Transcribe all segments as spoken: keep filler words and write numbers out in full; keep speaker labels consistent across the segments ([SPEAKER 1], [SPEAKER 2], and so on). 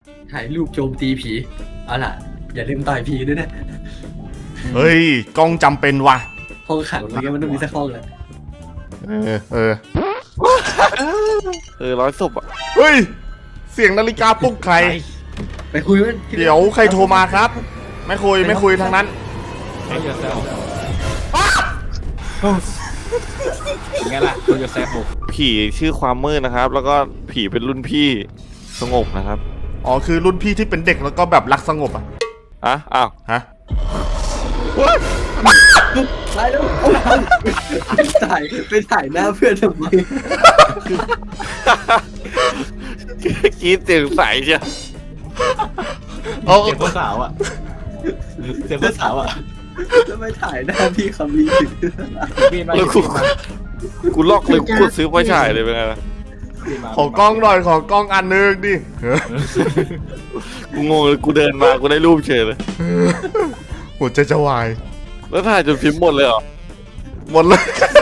[SPEAKER 1] ถ่ายรูปโจมตีผีเอาล่ะอย่าลืมต่อยผีด้วยนะ
[SPEAKER 2] เฮ้ยกล้องจำเป็นว่ะ
[SPEAKER 1] ห้องขังอะไรเงี้ยมันต้องมีสักห้องแหละ
[SPEAKER 2] เออเออ
[SPEAKER 3] เออร้อยศพอ่ะ
[SPEAKER 2] เฮ้ยเสียงนาฬิกาปลุกใคร
[SPEAKER 1] ไปคุยมัน
[SPEAKER 2] เดี๋ยวใครโทรมาครับ ไม่คุยไม่คุยทางนั้น
[SPEAKER 4] ไอ้เหี้ยแซวไงล่ะตัวจะแซวบุก
[SPEAKER 3] ผีชื่อความมืดนะครับ แล้วก็ผีเป็นรุ่นพี่สงบนะครับ
[SPEAKER 2] อ๋อคือรุ่นพี่ที่เป็นเด็กแล้วก็แบบรักสงบอ่ะ
[SPEAKER 3] อ่ะอ้าว
[SPEAKER 2] ฮะ
[SPEAKER 1] ตายแล้วไปถ่ายไปถ่ายหน้าเพื่อนทำไม
[SPEAKER 3] กรีดเสียงใสเชียว
[SPEAKER 2] เอา
[SPEAKER 4] เสียงผู้สาวอ่ะเสียงผู้สาวอ่ะ
[SPEAKER 1] แล้วไปถ่ายหน้าพี่คำมีถึง
[SPEAKER 4] มีมา
[SPEAKER 3] แล้วกูกูลอกเลยกูซื้อไฟฉายเลยเป็นไงล่ะ
[SPEAKER 2] ขอกล้องหน่อยขอกล้องอันนึงดิเออ
[SPEAKER 3] กูงงเลยกูเดินมากูได้รูปเฉยเลย
[SPEAKER 2] หัวใจจะวาย
[SPEAKER 3] แล้วถ่ายจนพิมพ์หมดเลยเหรอ
[SPEAKER 2] หมดเลย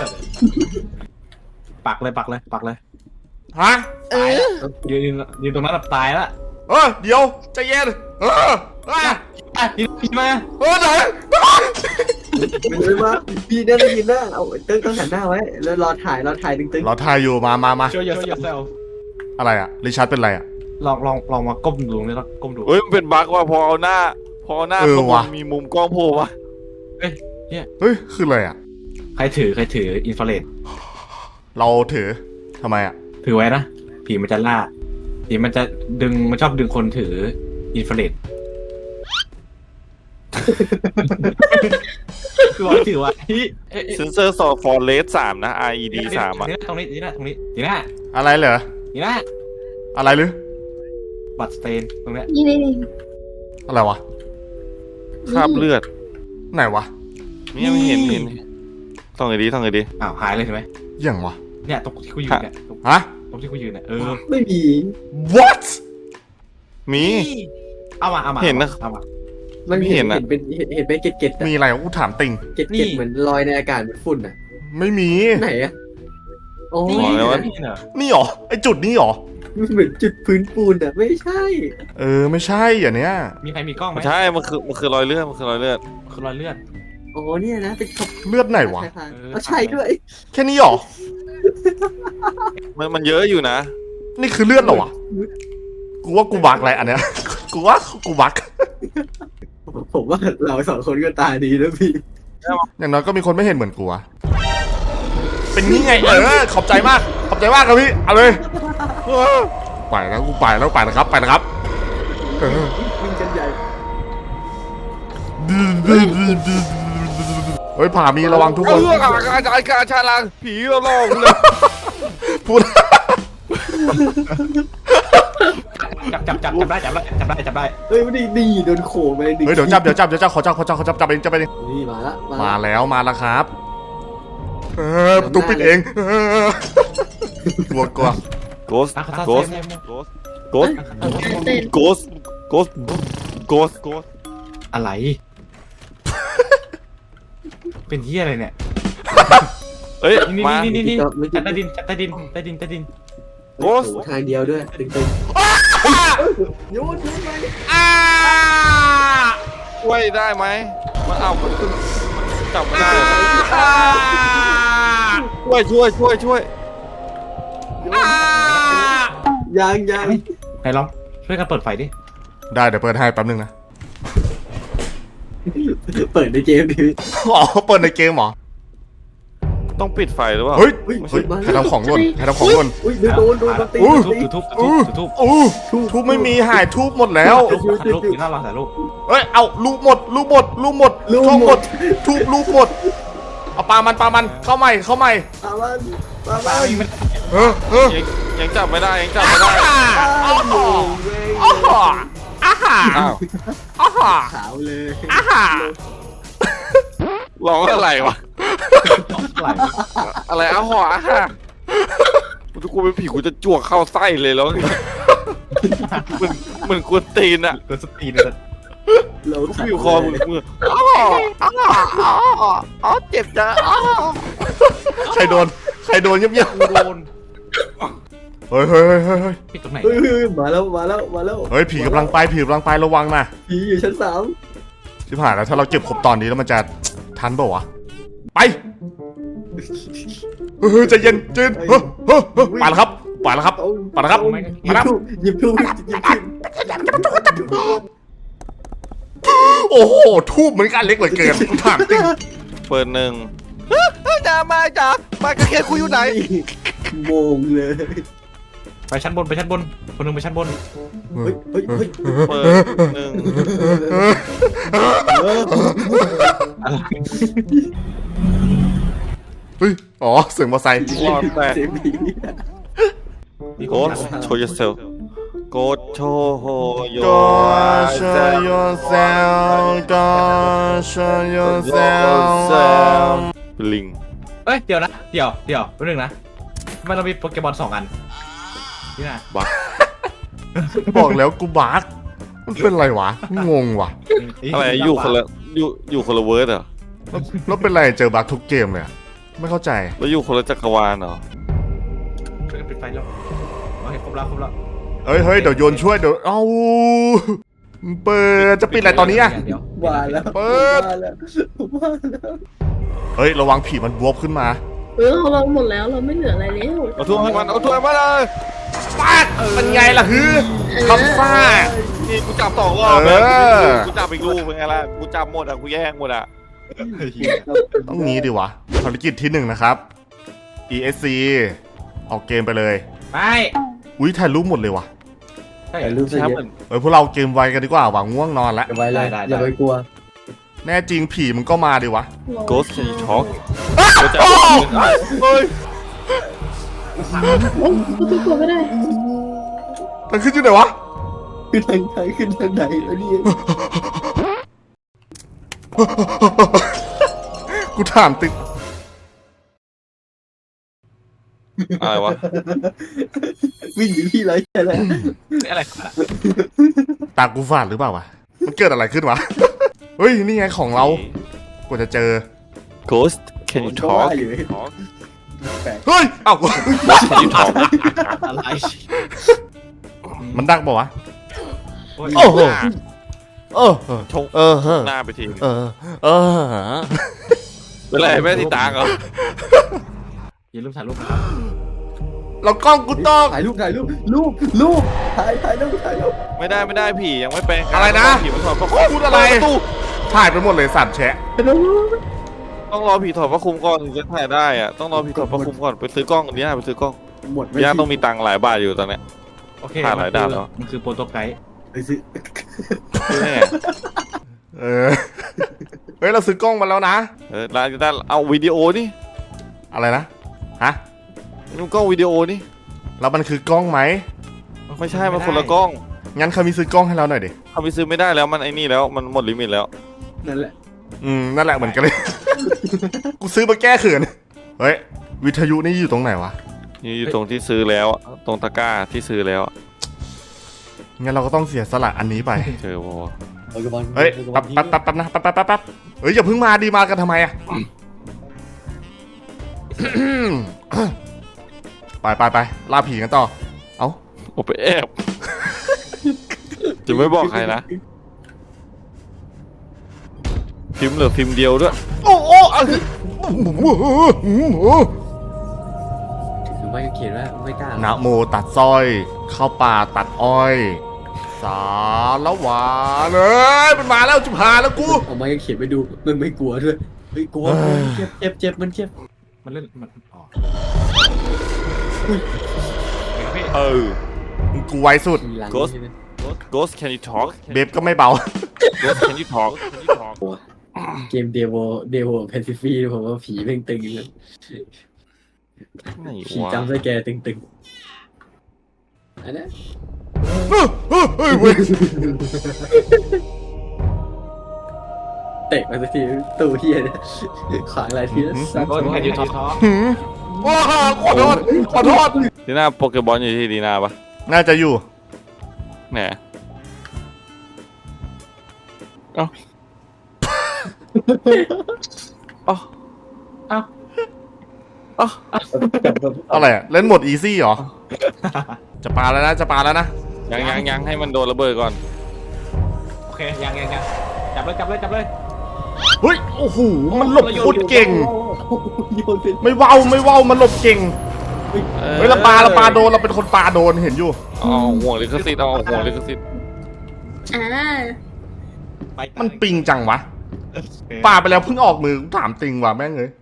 [SPEAKER 4] ปักเลยปักเลยปักเลย
[SPEAKER 2] ฮะ
[SPEAKER 4] ยืนยืนตรงนั้นแบบตายละ
[SPEAKER 2] เออเดี๋ยวใจเย็นเออเออ
[SPEAKER 4] อ่ะพี่พี่มา
[SPEAKER 2] เออไหน
[SPEAKER 1] ไม่รู้ว่าพี่น่าจะยินหน้าเอาตึ้งต้องหันหน้าไว้แล้วรอถ่ายรอถ่ายตึ้งตึ้ง
[SPEAKER 2] เราถ่ายอยู่มามามา
[SPEAKER 4] ช่วยอย่าแซว
[SPEAKER 2] อะไรอ่ะริชาร์ดเป็นอะไรอ่ะ
[SPEAKER 4] ลองลองลองมาก้มดูนี่แล้วก้มดู
[SPEAKER 3] เฮ้ยมันเป็นบั๊กว่าพอเอาหน้า พอเอาหน้า
[SPEAKER 2] เออ
[SPEAKER 3] เข้า
[SPEAKER 2] ว่ะ
[SPEAKER 3] มามีมุมกล้องโผล่วะ
[SPEAKER 4] เอ้ยเนี่ย
[SPEAKER 2] เฮ้ยคืออะไรอ่ะ
[SPEAKER 4] ใครถือใครถืออินฟราเรด
[SPEAKER 2] เราถือทำไมอ่ะ
[SPEAKER 4] ถือไว้นะผีมันจะล่าผีมันจะดึงมันชอบดึงคนถืออินฟราเรดคือว่าถือไว้
[SPEAKER 3] เซนเซอร์สอฟอร์เรสสามนะ อาร์ อี ดี สามอ่ะ
[SPEAKER 4] นี่นะตรงนี้นี่นะตรงนี้นี่นะ
[SPEAKER 2] อะไรเหรอ
[SPEAKER 4] นี่นะ
[SPEAKER 2] อะไรหรือ
[SPEAKER 4] บัตรสเตนตรงเนี้ย
[SPEAKER 5] นี่นี่นี่
[SPEAKER 2] อะไรวะ
[SPEAKER 3] คราบเลือด
[SPEAKER 2] ไหนวะ
[SPEAKER 3] นี่ไม่เห็นเห็นต้องไงดีต้องไงดี
[SPEAKER 4] อ้าวหายเลยใช่ไหม
[SPEAKER 2] อย่างวะ
[SPEAKER 4] เนี่ยตรงที่กูยืนเนี่ยตรง
[SPEAKER 2] ฮะ
[SPEAKER 4] ตรงที่กูยืนเนี่ยเออ
[SPEAKER 1] ไม่มี
[SPEAKER 2] what
[SPEAKER 3] มี
[SPEAKER 4] เอามาเอามา
[SPEAKER 3] เห็นนะ
[SPEAKER 4] เอามา
[SPEAKER 1] มัน
[SPEAKER 3] ไม่
[SPEAKER 1] เห็
[SPEAKER 3] เห็
[SPEAKER 1] น
[SPEAKER 3] นอะ
[SPEAKER 1] เห็นเป็นเห็นเห็นเป็นเกล็ดเกล็ดๆอะ
[SPEAKER 2] มีอะไรวะกูถามติง
[SPEAKER 1] เกล็ดเกล็ดเหมือนลอยในอากาศเหมือนฝุ่นอ่ะ
[SPEAKER 2] ไม่มี
[SPEAKER 1] ไหนอ่ะโอ้
[SPEAKER 4] นี่
[SPEAKER 1] ย
[SPEAKER 4] ไง
[SPEAKER 3] บอกเลยว่า
[SPEAKER 4] นี่เหรอ
[SPEAKER 2] นี่หรอไอจุดนี้หรอ
[SPEAKER 1] มันเหมือนจุดพื้นปูนอ่ะไม่ใช่
[SPEAKER 2] เออไม่ใช่อย่างเนี้ย
[SPEAKER 4] มีใครมีกล้องไหม
[SPEAKER 3] ไม่ใช่ มันคือมันคือรอยเลือด มันคือรอยเลือด
[SPEAKER 4] คือรอยเลือด
[SPEAKER 1] โอ้เนี่ยนะเป็นขบ
[SPEAKER 2] เลือดไหนวะ
[SPEAKER 1] ทางๆเอาใช่ด้วย
[SPEAKER 2] แค่นี้หรอ
[SPEAKER 3] มันมันเยอะอยู่นะ
[SPEAKER 2] นี่คือเลือดเหรอวะ กูว่ากูบักอะไรอันเนี้ย กูว่ากูบัก
[SPEAKER 1] ผมว่าเราสองคนก็ตาดีนะพี่
[SPEAKER 2] อย่างน้อยก็มีคนไม่เห็นเหมือนกูอะเป็นนี่ไงเออขอบใจมาก ขอบใจมากครับพี่ เอาเลยเออไปแล้วกูไปแล้วไปนะครับ ไปนะครับเออ
[SPEAKER 1] วิ่งกันใหญ่
[SPEAKER 2] เฮ้ยผ่ามีระวังทุกค
[SPEAKER 3] เอน ออาจารย์อาจารย์ชาลังผีเราลองเลย
[SPEAKER 2] พูด
[SPEAKER 4] จับจับจับจับได้จับได้จับได้จับได้
[SPEAKER 1] เฮ้ยไม่ได้ดีโดนโขกไปหนึ่ง
[SPEAKER 2] เฮ้ยเดี๋ยวจับเดี๋ยวจับเดี๋ยวจับขอจับขอจับขอจับจับเองจับเอง
[SPEAKER 1] นี่มาละ
[SPEAKER 2] มาแล้วมาแล้วครับ เออประตูปิดเองเออกลัวกลัว
[SPEAKER 3] โกส
[SPEAKER 4] อ่ะเขา
[SPEAKER 3] โก
[SPEAKER 4] โก
[SPEAKER 3] ส
[SPEAKER 4] ส
[SPEAKER 3] โกสโกส
[SPEAKER 5] เต้น
[SPEAKER 3] โกสโกสโกสโกส
[SPEAKER 4] อะไร เป็นที่อะไรเนี่ย
[SPEAKER 3] เอ้ย
[SPEAKER 4] นี่
[SPEAKER 3] มา
[SPEAKER 4] นี่นี่นี่จับใต้ดินจับใต้ดินใต้ดินใต้ดิน
[SPEAKER 1] โอ้ทางเดียวด้วยตึงตึงโยนโยนไป
[SPEAKER 3] ช่วยได้ไหมมันเอามันขึ้นมันจับไม่ได้ช่วยช่วยช่วยช่วย
[SPEAKER 1] ยังยัง
[SPEAKER 4] ไหนลองช่วยกันเปิดไฟดิ
[SPEAKER 2] ได้เดี๋ยวเปิดให้แป๊บนึงนะ
[SPEAKER 1] เปิดในเกมดิ
[SPEAKER 2] อ๋อเปิดในเกมเหรอ
[SPEAKER 3] ต้องปิดไฟหรือเปล่า
[SPEAKER 2] เฮ้ยเฮ้ยใครทำของหล่นใครทำของหล่น
[SPEAKER 1] อุ้ยโดนโดนโดนตี
[SPEAKER 2] อู้
[SPEAKER 1] ตี
[SPEAKER 4] จุดทุบจุดทุบจุดทุบ
[SPEAKER 2] อู้ทูบไม่มีหายทูบหมดแล้ว
[SPEAKER 4] ถ่ายรูปถ่ายรูปอยู่หน้าเราถ่ายรูป
[SPEAKER 2] เอ้ยเอาลูกหมดลูกหมดลูกหมดทองหมดทูบลูกหมดเอาปลามันปลามันเข้าใหม่เข้าใหม่
[SPEAKER 1] ปาวันปา
[SPEAKER 4] ปลา
[SPEAKER 1] วัน
[SPEAKER 4] ยิงมัน
[SPEAKER 2] เออเออ
[SPEAKER 3] ยังยังจับไม่ได้ยังจับไม่ได้
[SPEAKER 2] อ้าวอ้าวอ้าว
[SPEAKER 3] อ้าว
[SPEAKER 2] อ้าว
[SPEAKER 1] ขาวเลย
[SPEAKER 2] อ้าว
[SPEAKER 3] ร้องอะไรวะ
[SPEAKER 4] ไหล
[SPEAKER 3] อะไรอ้าวหออ่ะฮะทุกคนเป็นผีกูจะจวกเข้าไส้เลยแล้วเหมือนเหมือนกวนตีนอะ
[SPEAKER 4] เกิดสตีนเลย
[SPEAKER 1] เรา
[SPEAKER 3] ลูกผิวคอมึงมืออ้าวอ้าวอ้าวอ้าวเจ็บจ้ะอ้าว
[SPEAKER 2] ใครโดนใครโดนเงียบ
[SPEAKER 4] กูโดน
[SPEAKER 2] เฮ้ยเฮ้ยเฮ้ยเฮ้ยเฮ้ย
[SPEAKER 4] พี่ตรงไหน
[SPEAKER 1] เฮ้ยเฮ้ยมาแล้วมาแล้วมาแล้ว
[SPEAKER 2] เฮ้ยผีกำลังไปผีกำลังไประวังนะ
[SPEAKER 1] ผีอยู่ชั้นสาม
[SPEAKER 2] ชิบหายแล้วถ้าเราเก็บครบตอนนี้แล้วมันจะทันเปล่าวะไปเฮ้ยใจเย็นใจเย็นเฮ้ยเฮ้ยเฮ้ยไปแล้วครับไปแล้วครับ
[SPEAKER 1] เอา
[SPEAKER 2] ไปแล้วครับ
[SPEAKER 1] เอาหยิบทูบหยิบทูบหยิบทูบ
[SPEAKER 2] โอ้โหทูบเหมือนกันเล็กเหลือเกินถามจริง
[SPEAKER 3] เปิดหนึ่งจ้ามาจ้าปากกระเคียนคุยอยู่ไหน
[SPEAKER 1] โมงเลย
[SPEAKER 4] ไปชั้นบนไปชั้นบนคนหนึงไปชั้นบน
[SPEAKER 1] เฮ้ยเฮ้ยเฮ้ย
[SPEAKER 3] เปิดหนึ่ง
[SPEAKER 4] อะไร
[SPEAKER 2] เฮ้ยอ๋อเสียงมอเตอร์ไซค์
[SPEAKER 3] รอดแต่
[SPEAKER 1] เสียงผี
[SPEAKER 4] มีค
[SPEAKER 3] โก
[SPEAKER 4] น
[SPEAKER 3] ด
[SPEAKER 4] ถาม
[SPEAKER 3] โชว์ yourself โกดโชว์โฮโย
[SPEAKER 2] Go show yourself Go show yourself
[SPEAKER 3] ลิง
[SPEAKER 4] เอ้ยเดี๋ยวนะเดี๋ยวเดี๋ยวแป๊บนึงนะทำไมเรามีโปเกมอนสองอันนี่นะ
[SPEAKER 3] บัก
[SPEAKER 2] บอกแล้วกูบักมันเป็นไรวะงงว่ะ
[SPEAKER 3] อะไรอยู่คนละอยู่อยู่คนละเวิร์ดเหรอ
[SPEAKER 2] แล้วแล้วเป็นไรเจอบักทุกเกมเลยอะไม่เข้าใจ
[SPEAKER 3] แล้วอยู่คนละจักรวาลเหรอ
[SPEAKER 4] ช่วยกันปิดไฟแล้วโอเคครบแล้วครบแล้ว
[SPEAKER 2] เฮ้ยเฮ้ยเดี๋ยวโยนช่วยเดี๋ยวเอ้าเปิดจะปิดอะไรตอนนี้อะ
[SPEAKER 4] เดี๋ยว
[SPEAKER 1] ว่าแล้ว
[SPEAKER 2] เปิด
[SPEAKER 1] ว่าแล้วว่าแล้ว
[SPEAKER 2] เฮ้ยระวังผีมันบวบขึ้นมา
[SPEAKER 5] เออเราหมดแล้วเราไม่เหลืออะไรแล้ว
[SPEAKER 3] เอาถ้วยให้มันเอาถ้วยมาเลย
[SPEAKER 2] ปากเป็นไงล่ะฮือคำซ่า
[SPEAKER 3] นี่กูจับสองรอบ
[SPEAKER 2] เอ
[SPEAKER 3] แล้ว
[SPEAKER 2] อ
[SPEAKER 3] กูจับอีกลูกเป็นไงล่ะกูจับหมดอ่ะกูแย่งหมดอ่ะ
[SPEAKER 2] ต้องงี้ดิวะภารกิจที่หนึ่งนะครับ อี เอส ซี ออกเกมไปเลย
[SPEAKER 4] ไป
[SPEAKER 2] อุ้ยถ่ายรูปหมดเลยวะ
[SPEAKER 4] ใช่
[SPEAKER 1] แต่รูป
[SPEAKER 3] แช
[SPEAKER 1] เสีย
[SPEAKER 3] มป์
[SPEAKER 1] ง
[SPEAKER 3] เหมือน
[SPEAKER 2] เฮ้ยพวกเราเกมไวกันดีกว่าหวังง่วงนอนแล้ว
[SPEAKER 1] อย่าไว้เลย
[SPEAKER 4] ได้ได้
[SPEAKER 1] อย่าไปกลัว
[SPEAKER 2] แน่จริงผีมันก็มาดิวะ
[SPEAKER 3] โกสต์ช็อกกูจะ
[SPEAKER 2] โอ้
[SPEAKER 3] เฮ้ย
[SPEAKER 5] โอ้ก็ทุกคนไม่ได้
[SPEAKER 2] มันขึ้นอยู่ไหนวะ
[SPEAKER 1] ขึ้นทางไหนขึ้นทางไหนแล้วนี่
[SPEAKER 2] กูถามติด
[SPEAKER 3] อะไรวะ
[SPEAKER 1] วิ่งอยู่ที่ไรแค่นั้น
[SPEAKER 4] อะไรกันอะ
[SPEAKER 2] ตากูฝาดหรือเปล่าวะมันเกิดอะไรขึ้นวะ เฮ้ยนี่ไงของเรากว่าจะเจอ
[SPEAKER 3] Ghost can you talk
[SPEAKER 1] อยู่
[SPEAKER 2] เฮ้ยเอ้า
[SPEAKER 3] can you talk
[SPEAKER 4] อะไร
[SPEAKER 2] มันดักเปล่าวะ
[SPEAKER 4] โอ้ย
[SPEAKER 2] โอ้โห เออเออ
[SPEAKER 3] ชง
[SPEAKER 2] เออเออ
[SPEAKER 3] หน้าไปที
[SPEAKER 2] เออเออ
[SPEAKER 3] เป็นไรไม่ได้ติดตามเหรอ
[SPEAKER 4] อย่าลืมถ่ายรูปนะครับ
[SPEAKER 2] เรากล้องกูต้อง
[SPEAKER 1] ถ่ายรูปถ่ายรูปรูปรูปถ่ายถ่ายรูปถ่ายรูป
[SPEAKER 3] ไม่ได้ไม่ได้ผียังไม่แปลงกาย
[SPEAKER 2] อะไรนะ
[SPEAKER 3] ผีมันถอดพระ
[SPEAKER 2] พูดอะไร
[SPEAKER 3] เปิประตู
[SPEAKER 2] ถ่ายไปหมดเลยสัตว์แชะ
[SPEAKER 3] ต้องรอผีถอดพระคุมก่อนถึงจะถ่ายได้อะต้องรอผีถอดพระคุมก่อนไปซื้อกล้องอันนี้ไปซื้อกล้อง
[SPEAKER 1] หมดไม่
[SPEAKER 3] ย่าต้องมีตังค์หลายบาทอยู่ตอนเนี้ย
[SPEAKER 4] โอเค
[SPEAKER 3] ถ่ายหลายด้านแล้ว
[SPEAKER 4] มันคือโปรโตไกด์
[SPEAKER 1] ไปซื้อ
[SPEAKER 3] แม่
[SPEAKER 2] เออ เฮ้ยเราซื้อกล้องมาแล้วนะ
[SPEAKER 3] เออร้านจะได้เอาวิดีโอนี่
[SPEAKER 2] อะไรนะ ฮะ
[SPEAKER 3] นี่มันกล้องวิดีโอนี่
[SPEAKER 2] แล้วมันคือกล้องไหม
[SPEAKER 3] ไม่ใช่มันคนละกล้อง
[SPEAKER 2] งั้นเขามีซื้อกล้องให้เราหน่อยดิ
[SPEAKER 3] เขาไปซื้อไม่ได้แล้วมันไอ้นี่แล้วมันหมดลิมิตแล้ว
[SPEAKER 1] นั่นแหละ
[SPEAKER 2] อืม นั่นแหละเหมือนกันเลย กูซื้อมาแก้เขิน เฮ้ย วิทยุนี่อยู่ตรงไหนวะ
[SPEAKER 3] นี่อยู่ตรงที่ซื้อแล้วอะตรงตะกร้าที่ซื้อแล้วอะ
[SPEAKER 2] งั้นเราก็ต้องเสียสละอันนี้ไป
[SPEAKER 3] เจอวะ
[SPEAKER 1] โปเกมอน
[SPEAKER 2] เฮ้ยแป๊บแป๊บแป๊บแป๊บนะแป๊บแป๊บแป๊บแป๊บเฮ้ยอย่าเพิ่งมาดีมากันทำไมอะ ไปไปไปล่าผีกันต่อ เอ้า
[SPEAKER 3] โอไปแอบ จะไม่บอกใครนะพิมพ์เหลือพิมพ์เดียวด้วย
[SPEAKER 2] โอ้โอ้อะ
[SPEAKER 1] ถือไม่เขียนว่าไม่กล้า
[SPEAKER 2] นะโมตัดสร้อย เข้าป่าตัดอ้อย สาละหวานเอ้ยมันมาแล้วจุพาแล้วกู
[SPEAKER 1] เอาไม้เขียนไปดูมันไม่กลัวด้วยเฮ้ยกลัวเจ็บเจ็บเจ็บมันเจ็บ
[SPEAKER 4] มันเล่นมันอ๋อ
[SPEAKER 3] เออ
[SPEAKER 2] กูไวสุด
[SPEAKER 1] ทีหลัง
[SPEAKER 3] Ghost Ghost can you talk
[SPEAKER 2] เบบก็ไม่เบา
[SPEAKER 3] Ghost can you talk can you talk
[SPEAKER 1] เกมเดโวเดโวแพนซิฟีผมว่าผีเพ่งตึงเลย
[SPEAKER 3] ไหน
[SPEAKER 1] ผี
[SPEAKER 3] วะ
[SPEAKER 1] จำสแกร์ตึงตึงอันนั้น
[SPEAKER 2] เฮ้ยเฮ้ยเฮ้ยเว้ย
[SPEAKER 1] เตะมาสักทีตู้เฮียเนี่ยขวางอะไรทีละสัก
[SPEAKER 4] โอ้ยแค่ยูทอทอ
[SPEAKER 2] หืมว้าขอโทษขอโทษ
[SPEAKER 3] ดีน่าโปเกบอลอยู่ที่ดีน่าปะ
[SPEAKER 2] น่าจะอยู่
[SPEAKER 3] แหนเอ้าเอ้า
[SPEAKER 4] เอ้า
[SPEAKER 3] เอ้า
[SPEAKER 2] อะไรอะเล่นโหมดอีซี่เหรอจะปาแล้วนะจะปาแล้วนะ
[SPEAKER 3] ยังยังยังให้มันโดนระเบิดก่อน
[SPEAKER 4] โอเคยังยังยังจับเลยจับเลยจับเลย
[SPEAKER 2] เฮ้ยโอ้โหมันหลบโคตรเก่ง
[SPEAKER 1] โยนเป็น
[SPEAKER 2] ไม่เว้าไม่เว้ามันหลบเก่งเฮ้ยเราปาเราปาโดนเราเป็นคนปาโดนเห็นอยู่
[SPEAKER 3] อ๋อห่วงลิขสิทธิ์อ๋อห่วงลิขสิทธิ์
[SPEAKER 5] อ่า
[SPEAKER 4] ไป
[SPEAKER 2] มันปิงจังวะปาไปแล้วเพิ่งออกมือกูถามจริงว่ะแม่งเลย